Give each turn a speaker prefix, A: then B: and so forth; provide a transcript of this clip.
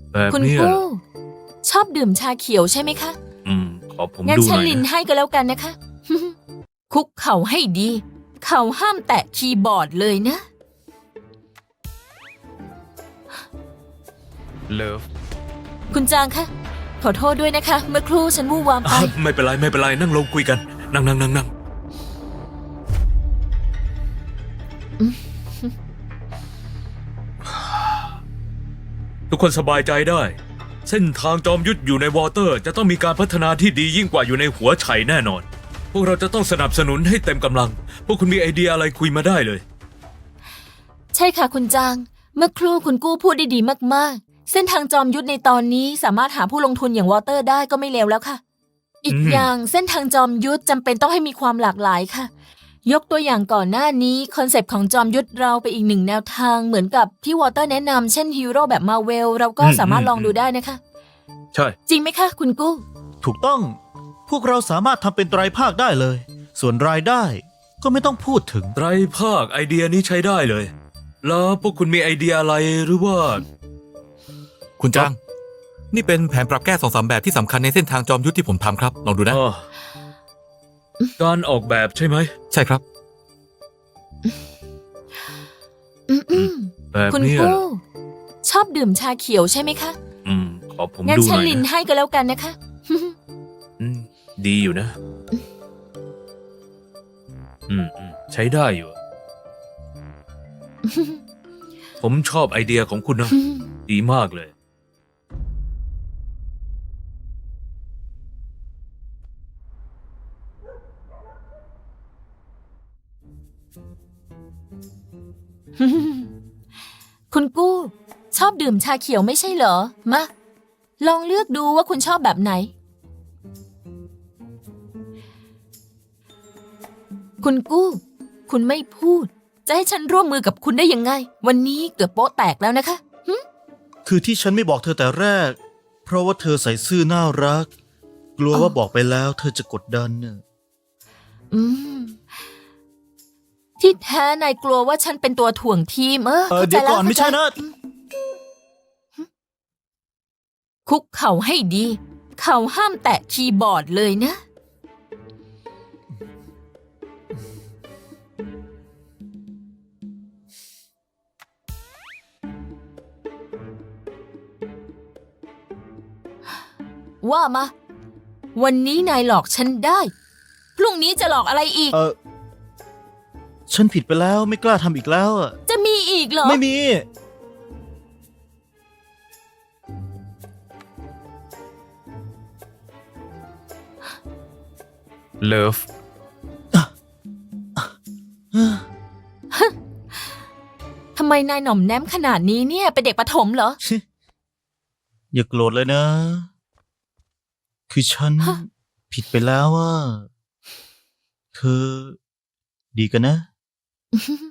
A: แบบ
B: คุณ
A: เนี้ยเหร
B: กู้
A: อ
B: ชอบดื่มชาเขียวใช่ไหมคะ
A: ขอผม
B: งั้น
A: ดูห
B: ฉัน
A: น่อย
B: ลิน
A: นะ
B: ให้ก็แล้วกันนะคะ คุกเข่าให้ดี เข่าห้ามแตะคีย์บอร์ดเลยนะ
C: เลิฟ
B: คุณจางคะ ขอโทษด้วยนะคะ เมื่อครู่ฉันวู่วามไป
A: ไม่เป็นไรไม่เป็นไรนั่งลงคุยกันนั่งทุกคนสบายใจได้ เส้นทางจอมยุทธอยู่ในวอเตอร์ จะต้องมีการพัฒนาที่ดียิ่งกว่าอยู่ในหัวไฉแน่นอน พวกเราจะต้องสนับสนุนให้เต็มกำลัง พวกคุณมีไอเดียอะไรคุยมาได้เลย
B: ใช่ค่ะคุณจาง เมื่อครู่คุณกู้พูดได้ดีมากๆ เส้นทางจอมยุทธในตอนนี้สามารถหาผู้ลงทุนอย่างวอเตอร์ได้ก็ไม่เลวแล้วค่ะ อีกอย่างเส้นทางจอมยุทธจำเป็นต้องให้มีความหลากหลายค่ะ ยกตัวอย่างก่อนหน้านี้คอนเซปต์ของจอมยุทธเราไปอีกหนึ่งแนวทางเหมือนกับที่วอเตอร์แนะนำเช่นฮีโร่แบบมาเวลเราก็สามารถลองดูได้นะคะ
A: ใช่
B: จริงไหมคะคุณกู้
D: ถูกต้อง พวกเราสามารถทำเป็นไตรภาคได้เลย ส่วนรายได้ก็ไม่ต้องพูดถึง
A: ไตรภาคไอเดียนี้ใช้ได้เลย แล้วพวกคุณมีไอเดียอะไรหรือว่า
C: คุณจ้าง นี่เป็นแผนปรับแก้2-3แบบที่สำคัญในเส้นทางจอมยุทธที่ผมทำครับ ลองดูนะ
A: อ๋อการออกแบบใช่ไหม
C: ใช่ครับ
A: แบบ
B: คุณ
A: เนี้ยเหร
B: กู้
A: อ
B: ชอบดื่มชาเขียวใช่ไหมคะ
A: ขอผม
B: งั้น
A: ดูห
B: ฉัน
A: น่อย
B: ลิน
A: นะ
B: ให้ก็แล้วกันนะคะ
A: ดีอยู่นะ ใช้ได้อยู่ ผมชอบไอเดียของคุณนะ ดีมากเลย
B: คุณกู้ชอบดื่มชาเขียวไม่ใช่เหรอ มา ลองเลือกดูว่าคุณชอบแบบไหน คุณกู้ คุณไม่พูด จะให้ฉันร่วมมือกับคุณได้ยังไง วันนี้เกือบโป๊ะแตกแล้วนะคะ
D: คือที่ฉันไม่บอกเธอแต่แรก เพราะว่าเธอใส่ซื่อน่ารัก กลัวว่าบอกไปแล้วเธอจะกดดันน่ะ
B: อืม ที่แท้นายกลัวว่าฉันเป็นตัวถ่วงทีมเข้าใจ
D: เดี๋ยว
B: แล้ว
D: ก่อนไม่ใช่นะ
B: คุกเข่าให้ดี เข่าห้ามแตะคีย์บอร์ดเลยนะ ว่ามา วันนี้นายหลอกฉันได้ พรุ่งนี้จะหลอกอะไรอีก
D: ฉันผิดไปแล้วไม่กล้าทำอีกแล้วอะ
B: จะมีอีกเหรอ
D: ไม่มี
C: เลิฟ
B: ทำไมนายหน่อมแนมขนาดนี้เนี่ย เป็นเด็กประถมเหรอ
D: อย่าโกรธเลยนะ คือฉัน
B: ฮะ
D: ผิดไปแล้วว่า เธอ ดีกันนะ
B: อื้อหือ